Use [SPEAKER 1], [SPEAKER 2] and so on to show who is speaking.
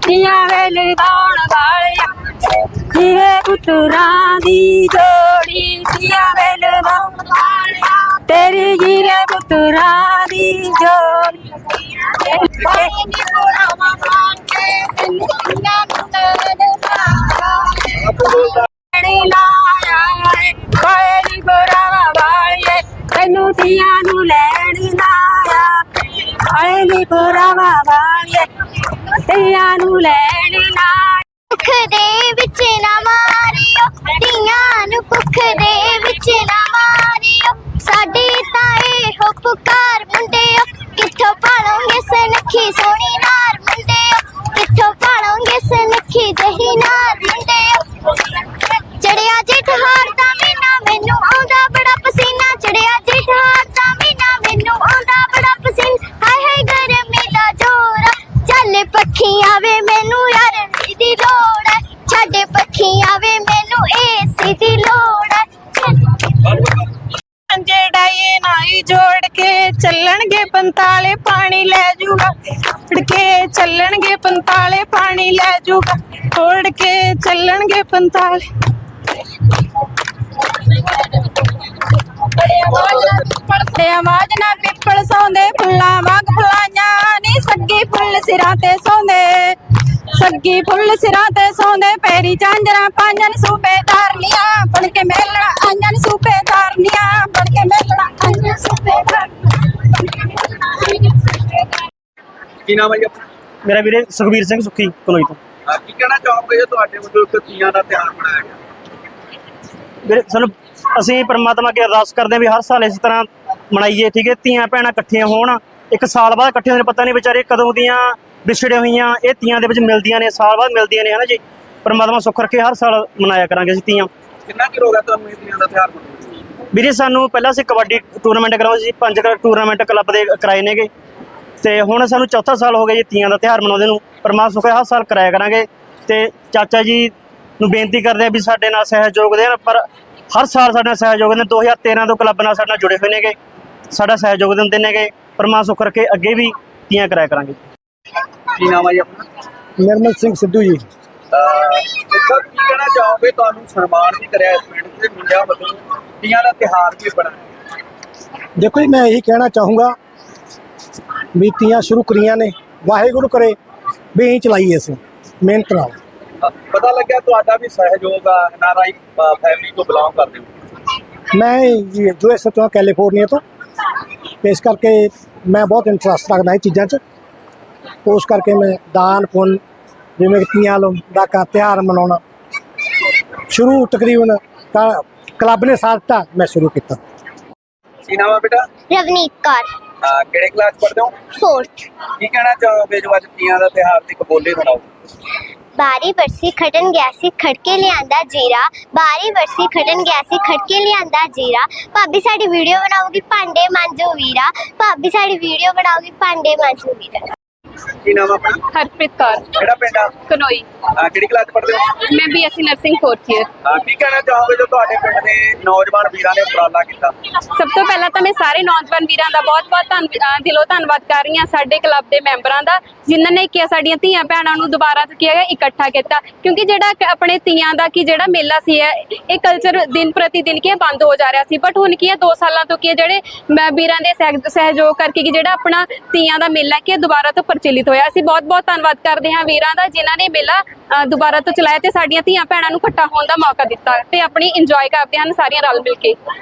[SPEAKER 1] ਧੀਆਂ ਵੇਲੇ ਗਾਉਣ ਵਾਲਿਆ ਜੀਵੇ ਪੁੱਤਰਾਂ ਦੀ ਜੋੜੀ ਧੀਆਂ ਵੇਲੇ ਗਾਉਣ ਵਾਲਿਆ ਤੇਰੀ ਜੀਵੇ ਪੁੱਤਰਾਂ ਦੀ ਜੋੜੀ ਤੈਨੂੰ ਧੀਆਂ ਨੂੰ ਲੈਣ ਲਾਇਆ ਆਏ ਨੀ ਪੁਰਾਵਾ ਵਾਲੀਏ ਧੀਆਂ ਨੂੰ ਲੈਣ ਲਾਇਆ
[SPEAKER 2] ਕੁੱਖ ਦੇ ਵਿੱਚ ਨਾ ਮਾਰਿਓ ਧੀਆਂ ਨੂੰ ਕੁੱਖ ਦੇ ਵਿੱਚ ਨਾ ਮਾਰਿਓ ਸਾਡੀ ਤਾਂ ਇਹੋ ਪੁਕਾਰ ਮੁੰਡਿਓ ਕਿੱਥੋਂ ਪਾਲੋਗੇ ਸੁਨੱਖੀ ਸੋਹਣੀ ਨਾਰ ਮੁੰਡਿਓ ਕਿੱਥੋਂ ਪਾਲੋਗੇ ਸੁਨੱਖੀ ਜਹੀ ਨਾਰ ਮੁੰਡਿਓ ਚੜਿਆ ਜੇਠਹਾਰ ਦਾ ਮਹੀਨਾ ਮੈਨੂੰ ਆਉਂਦਾ ਬੜਾ ਪਸੀਨਾ ਚੜਿਆ ਜੇਠਹਾਰ ਦਾ ਮਹੀਨਾ ਮੈਨੂੰ ਆਉਂਦਾ ਬੜਾ ਪਸੀਨਾ ਹਾਏ ਹਾਏ ਗਰਮੀ ਦਾ ਜੋਰ ਚੱਲ ਪੱਖੀ ਆਵੇ ਮੈਨੂੰ ਯਾਰ ਦੀ ਲੋੜ ਹੈ ਛੱਡ ਪੱਖੀ ਆਵੇ ਮੈਨੂੰ ਏਸੀ ਦੀ ਲੋੜ ਹੈ
[SPEAKER 1] ਡਾਈਏ ਨਾਈ ਜੋੜ ਕੇ ਚੱਲਣਗੇ ਪੰਤਾਲੇ ਪਾਣੀ ਲੈ ਜੂਗਾ ਉੜ ਕੇ ਚੱਲਣਗੇ ਪੰਤਾਲੇ ਪਾਣੀ ਲੈ ਜੂਗਾ ਉੜ ਕੇ ਚੱਲਣਗੇ ਪੰਤਾਲੇ ਬੜੇ ਆਵਾਜ਼ ਨਾਲ ਪਿੱਪਲ ਸੌਂਦੇ ਫੁੱਲਾਂ ਵਾਂਗ ਫੁਲਾਈਆਂ ਨੀ ਸੱਗੀ ਫੁੱਲ ਸਿਰਾਂ ਤੇ ਸੌਂਦੇ ਸੱਗੀ ਫੁੱਲ ਸਿਰਾਂ ਤੇ ਸੌਂਦੇ ਪੈਰੀ ਝਾਂਜਰਾਂ ਪਾਈਆਂ ਨੀ ਸੂਬੇਦਾਰਨੀਆਂ ਬਣ ਕੇ ਮੇਲਣਾ ਆਈਆਂ ਨੀ ਸੂਬੇਦਾਰਨੀਆਂ ਬਣ ਕੇ ਮੇਲਣਾ ਆਈਆਂ ਸੂਬੇਦਾਰ
[SPEAKER 3] ਕੀ ਨਾਮ ਹੈ ਜੀ ਆਪਣਾ?
[SPEAKER 4] ਮੇਰਾ ਵੀਰੇ ਸੁਖਬੀਰ ਸਿੰਘ ਸੁੱਖੀ ਕਲੋਈ ਤੋਂ।
[SPEAKER 3] ਕੀ ਕਹਿਣਾ ਚਾਹੋਗੇ ਜੇ ਤੁਹਾਡੇ ਵੱਲੋਂ ਇੱਕ ਤੀਆਂ ਦਾ ਤਿਉਹਾਰ ਮਨਾਇਆ ਗਿਆ?
[SPEAKER 4] ਵੀਰੇ ਸਾਨੂੰ ਅਸੀਂ ਪਰਮਾਤਮਾ ਅੱਗੇ ਅਰਦਾਸ ਕਰਦੇ ਹਾਂ ਵੀ ਹਰ ਸਾਲ ਇਸ ਤਰ੍ਹਾਂ ਮਨਾਈਏ, ਠੀਕ ਹੈ। ਧੀਆਂ ਭੈਣਾਂ ਇਕੱਠੀਆਂ ਹੋਣ, ਇੱਕ ਸਾਲ ਬਾਅਦ ਇਕੱਠੇ ਹੋਣ, ਪਤਾ ਨਹੀਂ ਵਿਚਾਰੇ ਕਦੋਂ ਦੀਆਂ ਵਿਛੜੀਆਂ ਹੋਈਆਂ ਇਹ ਧੀਆਂ ਦੇ ਵਿੱਚ ਮਿਲਦੀਆਂ ਨੇ, ਸਾਲ ਬਾਅਦ ਮਿਲਦੀਆਂ ਨੇ, ਹੈ ਨਾ ਜੀ। ਪਰਮਾਤਮਾ ਸੁੱਖ ਰੱਖੇ, ਹਰ ਸਾਲ ਮਨਾਇਆ ਕਰਾਂਗੇ ਅਸੀਂ ਧੀਆਂ।
[SPEAKER 3] ਕਿੰਨਾ ਚਿਰ ਹੋ ਗਿਆ ਤੁਹਾਨੂੰ ਇਹ ਤੀਆਂ ਦਾ ਤਿਉਹਾਰ ਮਨਾਉਂਦੇ?
[SPEAKER 4] ਵੀਰੇ ਸਾਨੂੰ ਪਹਿਲਾਂ ਅਸੀਂ ਕਬੱਡੀ ਟੂਰਨਾਮੈਂਟ ਕਰਾਉਂਦੇ ਸੀ, 5 ਟੂਰਨਾਮੈਂਟ ਕਲੱਬ ਦੇ ਕਰਾਏ ਨੇਗੇ, ਤੇ ਹੁਣ ਸਾਨੂੰ ਚੌਥਾ ਸਾਲ ਹੋ ਗਿਆ ਜੀ ਤੀਆਂ ਦਾ ਤਿਉਹਾਰ ਮਨਾਉਂਦੇ ਨੂੰ। ਪਰਮਾਤਮਾ ਸੁੱਖ ਹਰ ਸਾਲ ਕਰਾਇਆ ਕਰਾਂਗੇ। ਤੇ ਚਾਚਾ ਜੀ ਨੂੰ ਬੇਨਤੀ ਕਰਦੇ ਆ ਵੀ ਸਾਡੇ ਨਾਲ ਸਹਿਯੋਗ ਦੇਣ, ਪਰ ਹਰ ਸਾਲ ਸਾਡੇ ਨਾਲ ਸਹਿਯੋਗ ਦਿੰਦੇ। 2013 ਤੋਂ ਕਲੱਬ ਨਾਲ ਸਾਡੇ ਨਾਲ ਜੁੜੇ ਹੋਏ ਨੇਗੇ, ਸਾਡਾ ਸਹਿਯੋਗ ਦਿੰਦੇ ਨੇਗੇ। ਪਰਮਾਤਮਾ ਸੁੱਖ ਰੱਖੇ, ਅੱਗੇ ਵੀ ਤੀਆਂ ਕਰਾਇਆ ਕਰਾਂਗੇ।
[SPEAKER 3] ਕੀ ਨਾਮ ਹੈ ਜੀ ਆਪਣਾ?
[SPEAKER 5] ਨਿਰਮਲ ਸਿੰਘ ਸਿੱਧੂ ਜੀ।
[SPEAKER 3] ਸਰ ਕੀ ਕਹਿਣਾ ਚਾਹੋਗੇ, ਤੁਹਾਨੂੰ ਸਨਮਾਨ ਵੀ ਕਰਿਆ ਇਸ ਪਿੰਡ ਦੇ ਮੁੰਡਿਆਂ ਵੱਲੋਂ, ਤੀਆਂ ਦਾ ਤਿਉਹਾਰ ਵੀ ਬਣਾਇਆ?
[SPEAKER 5] ਦੇਖੋ ਜੀ, ਮੈਂ ਇਹੀ ਕਹਿਣਾ ਚਾਹੂੰਗਾ ਵੀ ਤੀਆਂ ਸ਼ੁਰੂ ਕਰੀਆਂ ਨੇ, ਵਾਹਿਗੁਰੂ ਕਰੇ ਵੀ ਇਹੀ ਚਲਾਈਏ ਅਸੀਂ ਮਿਹਨਤ ਨਾਲ।
[SPEAKER 3] ਪਤਾ ਲੱਗਿਆ ਤੁਹਾਡਾ ਵੀ ਸਹਿਯੋਗ ਆ, NRI ਫੈਮਿਲੀ ਤੋਂ ਬਿਲੋਂਗ ਕਰਦੇ ਹੋ।
[SPEAKER 5] ਮੈਂ US ਤੋਂ, ਕੈਲੀਫੋਰਨੀਆ ਤੋਂ, ਇਸ ਕਰਕੇ ਮੈਂ ਬਹੁਤ ਇੰਟਰਸਟ ਰੱਖਦਾ ਇਹ ਚੀਜ਼ਾਂ 'ਚ। ਉਸ ਕਰਕੇ ਮੈਂ ਦਾਨ ਪੁੰਨ, ਜਿਵੇਂ ਤੀਆਂ ਦਾ ਤਿਉਹਾਰ ਮਨਾਉਣਾ ਸ਼ੁਰੂ ਤਕਰੀਬਨ ਕਲੱਬ ਨੇ ਸਾਥ ਦਿੱਤਾ, ਮੈਂ ਸ਼ੁਰੂ ਕੀਤਾ।
[SPEAKER 3] ਕੀ ਨਾਮ ਹੈ ਬੇਟਾ?
[SPEAKER 2] ਰਵਨੀਤ ਕੌਰ
[SPEAKER 3] ਕਿਹੜੇ ਕਲਾਸ ਪੜ੍ਹਦੇ ਹੋ?
[SPEAKER 2] 4th।
[SPEAKER 3] ਕੀ ਕਹਿਣਾ ਚਾਹੋਗੇ ਜੋ ਅੱਜ ਤੀਆਂ ਦਾ ਤਿਉਹਾਰ ਤੇ ਕਬੋਲੇ ਬਣਾਓ?
[SPEAKER 2] ਬਾਰੀ ਬਰਸੀ ਖਟਣ ਗਿਆ ਸੀ ਖੜਕੇ ਲਿਆਂਦਾ ਜੀਰਾ, ਬਾਰੀ ਬਰਸੀ ਖਟਣ ਗਿਆ ਸੀ ਖੜਕੇ ਲਿਆਂਦਾ ਜੀਰਾ, ਭਾਬੀ ਸਾਡੀ ਵੀਡੀਓ ਬਣਾਉਗੀ ਭਾਂਡੇ ਮਾਂਜੋ ਵੀਰਾ, ਭਾਬੀ ਸਾਡੀ ਵੀਡੀਓ ਬਣਾਉਗੀ ਭਾਂਡੇ ਮਾਂਜੋ ਵੀਰਾ।
[SPEAKER 3] ਕੀ ਨਾਮ ਆਪਣਾ?
[SPEAKER 1] ਹਰਪ੍ਰੀਤ ਕੌਰ
[SPEAKER 3] ਕਿਹੜਾ ਪਿੰਡ ਆ?
[SPEAKER 1] ਕਨੋਈ।
[SPEAKER 3] ਕਿਹੜੀ ਕਲਾਸ ਪੜ੍ਹਦੇ ਹੋ?
[SPEAKER 1] ਮੈਂ BSc ਨਰਸਿੰਗ 4th ਈਅਰ।
[SPEAKER 3] ਕੀ ਕਹਿਣਾ ਚਾਹੋਗੇ ਜੋ ਤੁਹਾਡੇ ਪਿੰਡ ਦੇ ਨੌਜਵਾਨ ਵੀਰਾਂ ਨੇ ਉਪਰਾਲਾ ਕੀਤਾ?
[SPEAKER 1] ਸਭ ਤੋਂ ਪਹਿਲਾਂ ਤਾਂ ਮੈਂ ਸਾਰੇ ਨੌਜਵਾਨ ਵੀਰਾਂ ਦਾ ਬਹੁਤ-ਬਹੁਤ ਦਿਲੋਂ ਧੰਨਵਾਦ ਕਰ ਰਹੀ ਹਾਂ, ਸਾਡੇ ਕਲੱਬ ਦੇ ਮੈਂਬਰਾਂ ਦਾ, ਜਿਨ੍ਹਾਂ ਨੇ ਕਿ ਸਾਡੀਆਂ ਧੀਆਂ ਭੈਣਾਂ ਨੂੰ ਦੁਬਾਰਾ ਤੋਂ ਕੀ ਹੈਗਾ ਇਕੱਠਾ ਕੀਤਾ। ਕਿਉਂਕਿ ਜਿਹੜਾ ਆਪਣੇ ਧੀਆਂ ਦਾ ਕੀ ਜਿਹੜਾ ਮੇਲਾ ਸੀ ਇਹ ਕਲਚਰ ਦਿਨ ਪ੍ਰਤੀ ਦਿਨ ਕੀ ਬੰਦ ਹੋ ਜਾ ਰਿਹਾ ਸੀ, ਬਟ ਹੁਣ ਕੀ ਹੈ 2 ਸਾਲਾਂ ਤੋਂ ਕੀ ਜਿਹੜੇ ਵੀਰਾਂ ਦੇ ਸਹਿਯੋਗ ਕਰਕੇ ਕਿ ਜਿਹੜਾ ਆਪਣਾ ਧੀਆਂ ਦਾ ਮੇਲਾ ਕੀ ਦੁਬਾਰਾ ਤੋਂ ਪ੍ਰਚਲਿਤ ਹੋਇਆ। ਅਸੀਂ ਬਹੁਤ-ਬਹੁਤ ਧੰਨਵਾਦ ਕਰਦੇ ਹਾਂ ਵੀਰਾਂ ਦਾ, ਜਿਨ੍ਹਾਂ ਨੇ ਮੇਲਾ ਦੁਬਾਰਾ ਤੋਂ ਚਲਾਇਆ ਤੇ ਸਾਡੀਆਂ ਧੀਆਂ ਭੈਣਾਂ ਨੂੰ ਇਕੱਠਾ ਹੋਣ ਦਾ ਮੌਕਾ ਦਿੱਤਾ ਤੇ ਆਪਣੀ ਇੰਜੋਏ ਕਰਦੇ ਹਨ ਸਾਰੀਆਂ ਰਲ ਮਿਲ ਕੇ।